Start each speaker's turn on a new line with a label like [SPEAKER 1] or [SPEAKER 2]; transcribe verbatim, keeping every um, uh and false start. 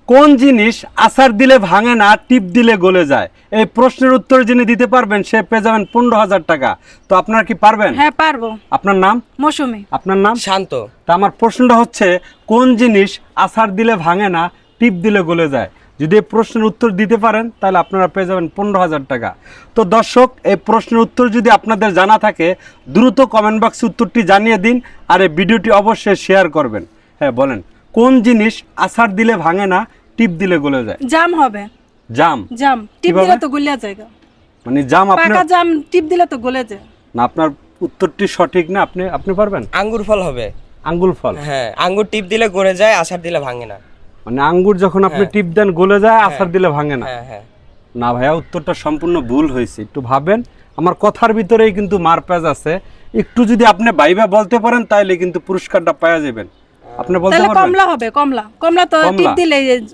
[SPEAKER 1] কোন জিনিস আছাড় দিলে ভাঙে না, টিপ দিলে গলে যায়? এই প্রশ্নের উত্তর যিনি দিতে পারবেন সে পেয়ে যাবেন পনেরো হাজার টাকা। তো আপনারা কি পারবেন?
[SPEAKER 2] হ্যাঁ পারবো।
[SPEAKER 1] আপনার নাম?
[SPEAKER 2] মৌসুমী।
[SPEAKER 1] আপনার নাম?
[SPEAKER 3] শান্ত।
[SPEAKER 1] তা আমার প্রশ্নটা হচ্ছে, কোন জিনিস আছাড় দিলে ভাঙে না, টিপ দিলে গলে যায়? যদি এই প্রশ্নের উত্তর দিতে পারেন তাহলে আপনারা পেয়ে যাবেন পনেরো হাজার টাকা। তো দর্শক, এই প্রশ্নের উত্তর যদি আপনাদের জানা থাকে দ্রুত কমেন্ট বক্সে উত্তরটি জানিয়ে দিন, আর এই ভিডিওটি অবশ্যই শেয়ার করবেন। হ্যাঁ বলেন, কোন জিনিস আছাড় দিলে ভাঙে না, টিপ দিলে গলে যায়?
[SPEAKER 2] জাম হবে।
[SPEAKER 1] জাম?
[SPEAKER 2] জাম টিপ
[SPEAKER 1] কিভাবে?
[SPEAKER 2] দিলে তো গলিয়া যায়।
[SPEAKER 1] মানে জাম আপনার
[SPEAKER 2] পাকা জাম টিপ দিলে তো গলে যায়।
[SPEAKER 1] না, আপনার উত্তরটি সঠিক না। আপনি আপনি পারবেন?
[SPEAKER 3] আঙ্গুর ফল হবে।
[SPEAKER 1] আঙ্গুর ফল?
[SPEAKER 3] হ্যাঁ, আঙ্গুর টিপ দিলে গড়ে যায়, আছাড় দিলে ভাঙে না।
[SPEAKER 1] মানে আঙ্গুর যখন আপনি
[SPEAKER 3] হ্যাঁ।
[SPEAKER 1] টিপ দেন গলে যায়, আছাড় দিলে ভাঙে না?
[SPEAKER 3] হ্যাঁ হ্যাঁ।
[SPEAKER 1] না ভাইয়া, উত্তরটা সম্পূর্ণ ভুল হয়েছে। একটু ভাবেন, আমার কথার ভিতরেই কিন্তু মারপ্যাচ আছে। একটু যদি আপনি ভাইবা বলতে পারেন তাহলে কিন্তু পুরস্কারটা পাওয়া যাবেন। আপনি বলতে
[SPEAKER 2] তাহলে
[SPEAKER 1] পারবেন?
[SPEAKER 2] কমলা হবে। কমলা কমলা তো
[SPEAKER 1] কমলা?
[SPEAKER 2] টিপ দিলে